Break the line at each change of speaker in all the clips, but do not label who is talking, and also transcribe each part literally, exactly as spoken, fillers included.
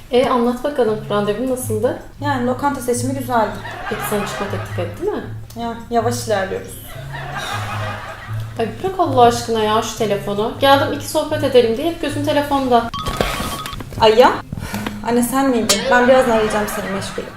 E anlat bakalım, randevun nasıldı?
Yani lokanta seçimi güzeldi.
Peki sana çıkma teklif etti mi?
Ya yavaş ilerliyoruz.
Ay bırak Allah aşkına ya şu telefonu. Geldim iki sohbet edelim diye hep gözün telefonda.
Ay ya. Anne sen miydin? Ben birazdan arayacağım seni, meşgulüm.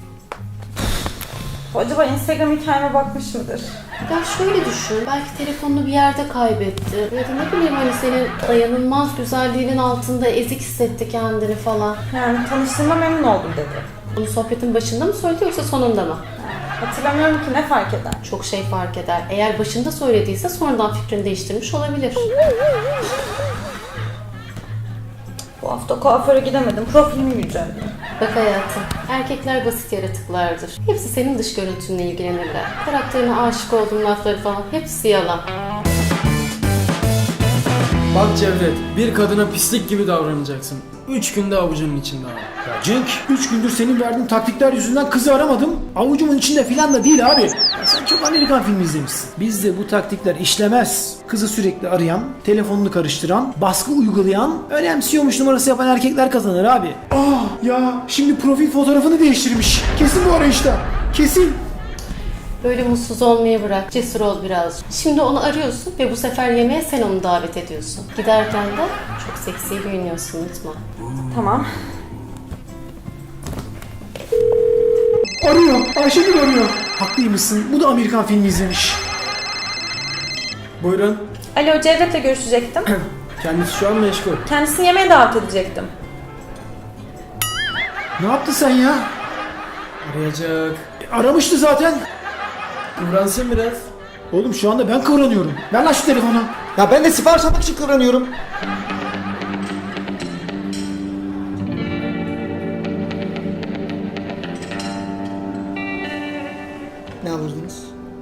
Acaba Instagram hikayeme bakmış mıdır?
Ya şöyle düşün, belki telefonunu bir yerde kaybetti. Ya da ne bileyim hani senin dayanılmaz güzelliğinin altında ezik hissetti kendini falan.
Yani tanıştığıma memnun oldum dedi.
Bunu sohbetin başında mı söyledi yoksa sonunda mı?
Hatırlamıyorum ki, ne fark eder?
Çok şey fark eder. Eğer başında söylediyse sonradan fikrini değiştirmiş olabilir.
Bu hafta kuaföre gidemedim. Profilimi güncelledim.
Bak hayatım, erkekler basit yaratıklardır. Hepsi senin dış görüntünle ilgilenirler. Karakterine aşık olduğun lafları falan hepsi yalan.
Bak Cevdet, bir kadına pislik gibi davranacaksın. Üç günde avucunun içinde abi.
Ya Cenk, üç gündür senin verdiğin taktikler yüzünden kızı aramadım. Avucumun içinde filan da değil abi. Ya sen çok Amerikan filmi izlemişsin. Bizde bu taktikler işlemez. Kızı sürekli arayan, telefonunu karıştıran, baskı uygulayan, önemsiyormuş numarası yapan erkekler kazanır abi. Ah ya, şimdi profil fotoğrafını değiştirmiş. Kesin bu arayışta. Kesin.
Böyle mutsuz olmayı bırak, cesur ol biraz. Şimdi onu arıyorsun ve bu sefer yemeğe sen onu davet ediyorsun. Giderken de çok seksi giyiniyorsun, unutma.
Tamam.
Arıyor, Ayşegül arıyor. Haklıymışsın, bu da Amerikan filmi izlemiş.
Buyurun.
Alo, Cevdet'le görüşecektim.
Kendisi şu an meşgul.
Kendisini yemeğe davet edecektim.
Ne yaptı sen ya?
Arayacak.
E, aramıştı zaten.
Kıvransın biraz.
Oğlum şu anda ben kıvranıyorum. Ver lan şu telefonu.
Ya ben de sipariş almak için kıvranıyorum. Ne alırdınız?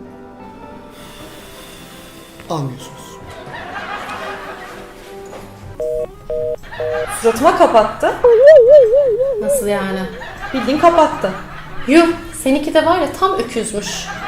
Almıyorsunuz.
Suratıma kapattı.
Nasıl yani?
Bildiğin kapattı.
Yuh, seninki de var ya tam öküzmüş.